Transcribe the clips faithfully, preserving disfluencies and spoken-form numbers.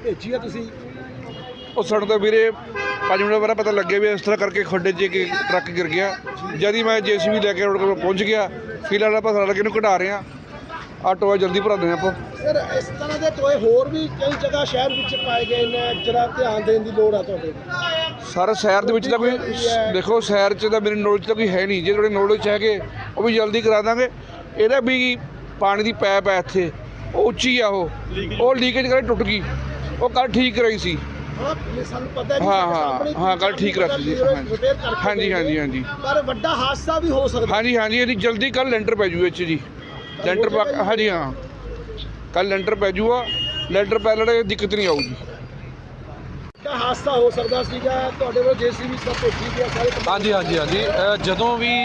भेजी है तुसी? ਉਹ ਸਾਨੂੰ ਤਾਂ ਵੀਰੇ ਪੰਜ ਮਿੰਟ ਬਾਅਦ ਪਤਾ ਲੱਗਿਆ ਵੀ ਇਸ ਤਰ੍ਹਾਂ ਕਰਕੇ ਖੱਡੇ 'ਚ ਇੱਕ ਟਰੱਕ ਗਿਰ ਗਿਆ। ਜਦ ਹੀ ਮੈਂ ਜੇਸੀਬੀ ਲੈ ਕੇ ਰੋਡ ਕੋਲ ਪਹੁੰਚ ਗਿਆ। ਫਿਲਹਾਲ ਆਪਾਂ ਸਾਰਾ ਨੂੰ ਘਟਾ ਰਹੇ ਹਾਂ। ਆਹ ਟੋਆ ਜਲਦੀ ਭਰਾ ਦੇਣਾ ਆਪਾਂ। ਸਰ ਇਸ ਤਰ੍ਹਾਂ ਦੇ ਟੋਏ ਹੋਰ ਵੀ ਕਈ ਜਗ੍ਹਾ ਸ਼ਹਿਰ ਵਿੱਚ ਪਾਏ ਗਏ ਨੇ, ਜਰਾ ਧਿਆਨ ਦੇਣ ਦੀ ਲੋੜ ਆ ਤੁਹਾਡੇ। ਸਰ ਸ਼ਹਿਰ ਦੇ ਵਿੱਚ ਤਾਂ ਕੋਈ ਦੇਖੋ, ਸ਼ਹਿਰ 'ਚ ਤਾਂ ਮੇਰੇ ਨੌਲੇਜ ਤਾਂ ਕੋਈ ਹੈ ਨਹੀਂ। ਜੇ ਤੁਹਾਡੇ ਨੌਲੇਜ 'ਚ ਹੈਗੇ ਉਹ ਵੀ ਜਲਦੀ ਕਰਾ ਦਾਂਗੇ। ਇਹਦਾ ਵੀ ਪਾਣੀ ਦੀ ਪੈਪ ਹੈ ਇੱਥੇ, ਉਹ ਉੱਚੀ ਆ, ਉਹ ਉਹ ਲੀਕੇਜ ਕਰਕੇ ਟੁੱਟ ਗਈ। ਉਹ ਕੱਲ੍ਹ ਠੀਕ ਕਰਾਈ ਸੀ। ਸਾਨੂੰ ਪਤਾ ਨਹੀਂ। ਹਾਂ ਹਾਂ ਹਾਂ ਕੱਲ੍ਹ ਠੀਕ ਕਰਾਈ ਸੀ। ਹਾਂਜੀ ਹਾਂਜੀ ਹਾਂਜੀ ਪਰ ਵੱਡਾ ਹਾਦਸਾ ਵੀ ਹੋ ਸਕਦਾ। ਹਾਂਜੀ ਹਾਂਜੀ ਇਹਦੀ ਜਲਦੀ ਕੱਲ੍ਹ ਲੈਂਟਰ ਪੈ ਜੂ ਇਹ 'ਚ ਜੀ। ਲੈਂਟਰ ਪਾ ਹਾਂਜੀ ਹਾਂ ਕੱਲ੍ਹ ਲੈਂਟਰ ਪੈ ਜੂਗਾ। ਲੈਂਟਰ ਪੈ ਲੜੇ ਦਿੱਕਤ ਨਹੀਂ ਆਊਗੀ। ਹਾਦਸਾ ਹੋ ਸਕਦਾ ਸੀਗਾ। ਤੁਹਾਡੇ ਕੋਲ ਜੇਸੀਬੀ ਸਭ ਭੇਜੀ ਗਿਆ ਸਾਰੇ? ਹਾਂਜੀ ਹਾਂਜੀ ਹਾਂਜੀ ਜਦੋਂ ਵੀ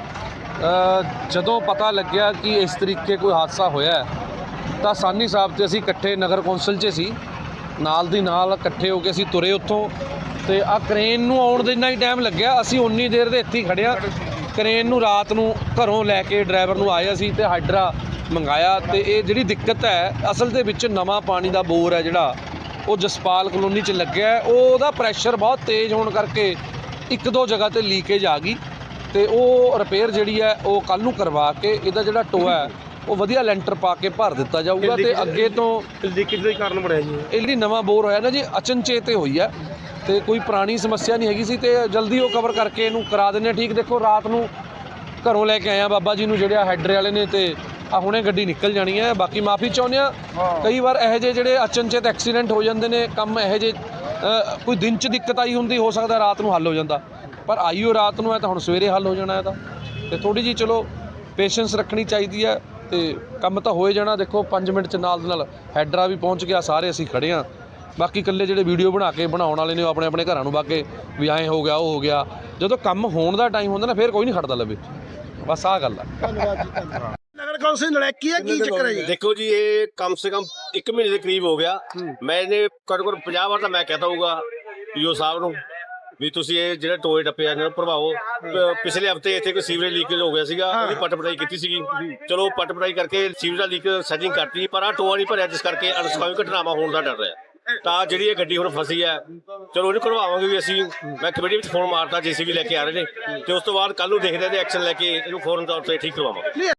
ਜਦੋਂ ਪਤਾ ਲੱਗਿਆ ਕਿ ਇਸ ਤਰੀਕੇ ਕੋਈ ਹਾਦਸਾ ਹੋਇਆ ਤਾਂ ਸਾਨੀ ਸਾਹਿਬ ਤੇ ਅਸੀਂ ਇਕੱਠੇ ਨਗਰ ਕੌਂਸਲ 'ਚ ਸੀ, ਨਾਲ ਦੀ ਨਾਲ ਇਕੱਠੇ ਹੋ ਕੇ ਅਸੀਂ ਤੁਰੇ ਉੱਥੋਂ। ਤੇ ਆ ਕ੍ਰੇਨ ਨੂੰ ਆਉਣ ਦੇ ਇੰਨਾ ਹੀ ਟਾਈਮ ਲੱਗਿਆ, ਅਸੀਂ ਉਨੀ ਦੇਰ ਦੇ ਇੱਥੇ ਹੀ ਖੜਿਆ। ਕ੍ਰੇਨ ਨੂੰ ਰਾਤ ਨੂੰ ਘਰੋਂ ਲੈ ਕੇ ਡਰਾਈਵਰ ਨੂੰ ਆਏ ਅਸੀਂ ਤੇ ਹਾਈਡਰਾ ਮੰਗਾਇਆ। ਤੇ ਇਹ ਜਿਹੜੀ ਦਿੱਕਤ ਹੈ ਅਸਲ ਦੇ ਵਿੱਚ ਨਵਾਂ ਪਾਣੀ ਦਾ ਬੋਰ ਹੈ ਜਿਹੜਾ ਉਹ ਜਸਪਾਲ ਕਲੋਨੀ 'ਚ ਲੱਗਿਆ। ਉਹਦਾ ਪ੍ਰੈਸ਼ਰ ਬਹੁਤ ਤੇਜ਼ ਹੋਣ ਕਰਕੇ ਇੱਕ ਦੋ ਜਗ੍ਹਾ 'ਤੇ ਲੀਕੇਜ ਆ ਗਈ ਤੇ ਉਹ ਰਿਪੇਅਰ ਜਿਹੜੀ ਹੈ ਉਹ ਕੱਲ੍ਹ ਨੂੰ ਕਰਵਾ ਕੇ ਇਹਦਾ ਜਿਹੜਾ ਟੋਆ ਹੈ ਉਹ ਵਧੀਆ ਲੈਂਟਰ ਪਾ ਕੇ ਭਰ ਦਿੱਤਾ ਜਾਊਗਾ। ਤੇ ਅੱਗੇ ਤੋਂ ਲੀਕੇਜ ਦਾ ਕਾਰਨ ਬਣਿਆ ਜੀ ਇਹ ਜਿਹੜੀ ਨਵਾਂ ਬੋਰ ਹੋਇਆ ਨਾ ਜੀ, ਅਚਨਚੇਤ ਹੋਈ ਹੈ ਤੇ ਕੋਈ ਪੁਰਾਣੀ ਸਮੱਸਿਆ ਨਹੀਂ ਹੈਗੀ ਸੀ ਤੇ ਜਲਦੀ ਉਹ ਕਵਰ ਕਰਕੇ ਇਹਨੂੰ ਕਰਾ ਦਿੰਦੇ ਠੀਕ। ਦੇਖੋ ਰਾਤ ਨੂੰ ਘਰੋਂ ਲੈ ਕੇ ਆਇਆ ਬਾਬਾ ਜੀ ਨੂੰ ਜਿਹੜੇ ਹੈਡਰੇ ਵਾਲੇ ਨੇ ਤੇ ਆ ਹੁਣੇ ਗੱਡੀ ਨਿਕਲ ਜਾਣੀ ਹੈ। ਬਾਕੀ ਮਾਫੀ ਚਾਹੁੰਦੇ ਹਾਂ, ਕਈ ਵਾਰ ਇਹੋ ਜਿਹੇ ਜਿਹੜੇ ਅਚਨਚੇਤ ਐਕਸੀਡੈਂਟ ਹੋ ਜਾਂਦੇ ਨੇ, ਕੰਮ ਇਹੋ ਜਿਹੇ ਕੋਈ ਦਿਨ 'ਚ ਦਿੱਕਤ ਆਈ ਹੁੰਦੀ, ਹੋ ਸਕਦਾ ਰਾਤ ਨੂੰ ਹੱਲ ਹੋ ਜਾਂਦਾ, ਪਰ ਆਈਓ ਰਾਤ ਨੂੰ ਹੈ ਤਾਂ ਹੁਣ ਸਵੇਰੇ ਹੱਲ ਹੋ ਜਾਣਾ ਇਹਦਾ। ਤੇ ਥੋੜ੍ਹੀ ਜਿਹੀ ਚਲੋ ਪੇਸ਼ੈਂਸ ਰੱਖਣੀ ਚਾਹੀਦੀ ਹੈ ਤੇ ਕੰਮ ਤਾਂ ਹੋਏ ਜਾਣਾ। ਦੇਖੋ ਪੰਜ ਮਿੰਟ 'ਚ ਨਾਲ ਦੇ ਨਾਲ ਹੈਡਰਾ ਵੀ ਪਹੁੰਚ ਗਿਆ, ਸਾਰੇ ਅਸੀਂ ਖੜ੍ਹੇ ਹਾਂ। ਬਾਕੀ ਇਕੱਲੇ ਜਿਹੜੇ ਵੀਡੀਓ ਬਣਾ ਕੇ ਬਣਾਉਣ ਵਾਲੇ ਨੇ ਉਹ ਆਪਣੇ ਆਪਣੇ ਘਰਾਂ ਨੂੰ ਬਾਗੇ ਵੀ ਐਂ ਹੋ ਗਿਆ ਉਹ ਹੋ ਗਿਆ। ਜਦੋਂ ਕੰਮ ਹੋਣ ਦਾ ਟਾਈਮ ਹੁੰਦਾ ਨਾ ਫਿਰ ਕੋਈ ਨਹੀਂ ਖੜਦਾ ਲਵੇ। ਬਸ ਆਹ ਗੱਲ ਆ। ਧੰਨਵਾਦ ਜੀ ਧੰਨਵਾਦ। ਨਗਰ ਕੌਂਸਲ ਨਲੈਕੀ ਹੈ, ਕੀ ਚੱਕਰ ਹੈ ਜੀ? देखो जी, ये कम से कम एक महीने के करीब हो गया। मैंने ਘੱਟੋ ਘੱਟ ਪੰਜਾਹ ਵਾਰ ਤਾਂ ਮੈਂ ਕਹਤਾ ਹੋਊਗਾ ਪੀਓ ਸਾਹਿਬ ਨੂੰ ਵੀ ਤੁਸੀਂ ਇਹ ਜਿਹੜੇ ਟੋਏ ਟੱਪੇ ਆ ਇਹਨਾਂ ਨੂੰ ਭਰਵਾਓ। ਪਿਛਲੇ ਹਫਤੇ ਇੱਥੇ ਕੋਈ ਸੀਵਰੇਜ ਲੀਕੇਜ ਹੋ ਗਿਆ ਸੀਗਾ, ਉਹਦੀ ਪੱਟ ਪਟਾਈ ਕੀਤੀ ਸੀਗੀ। ਚਲੋ ਪੱਟ ਪਟਾਈ ਕਰਕੇ ਸੀਵਰੇਜ ਦਾ ਲੀਕ ਸੈਟਿੰਗ ਕਰਤੀ, ਪਰ ਆ ਟੋਆ ਨਹੀਂ ਭਰਿਆ, ਜਿਸ ਕਰਕੇ ਅਨਸਕਾਮੀ ਘਟਨਾਵਾਂ ਹੋਣ ਦਾ ਡਰ ਰਿਹਾ। ਤਾਂ ਜਿਹੜੀ ਇਹ ਗੱਡੀ ਹੁਣ ਫਸੀ ਹੈ, ਚਲੋ ਉਹਨੂੰ ਕਢਵਾਵਾਂਗੇ ਵੀ ਅਸੀਂ। ਮੈਂ ਕਮੇਟੀ ਵਿੱਚ ਫੋਨ ਮਾਰਤਾ, ਜੇਸੀਬੀ ਲੈ ਕੇ ਆ ਰਹੇ ਨੇ ਤੇ ਉਸ ਤੋਂ ਬਾਅਦ ਕੱਲ੍ਹ ਨੂੰ ਦੇਖਦੇ ਹਾਂ ਤੇ ਐਕਸ਼ਨ ਲੈ ਕੇ ਇਹਨੂੰ ਫੌਰਨ ਤੌਰ ਤੇ ਠੀਕ ਕਰਵਾਵਾਂਗੇ।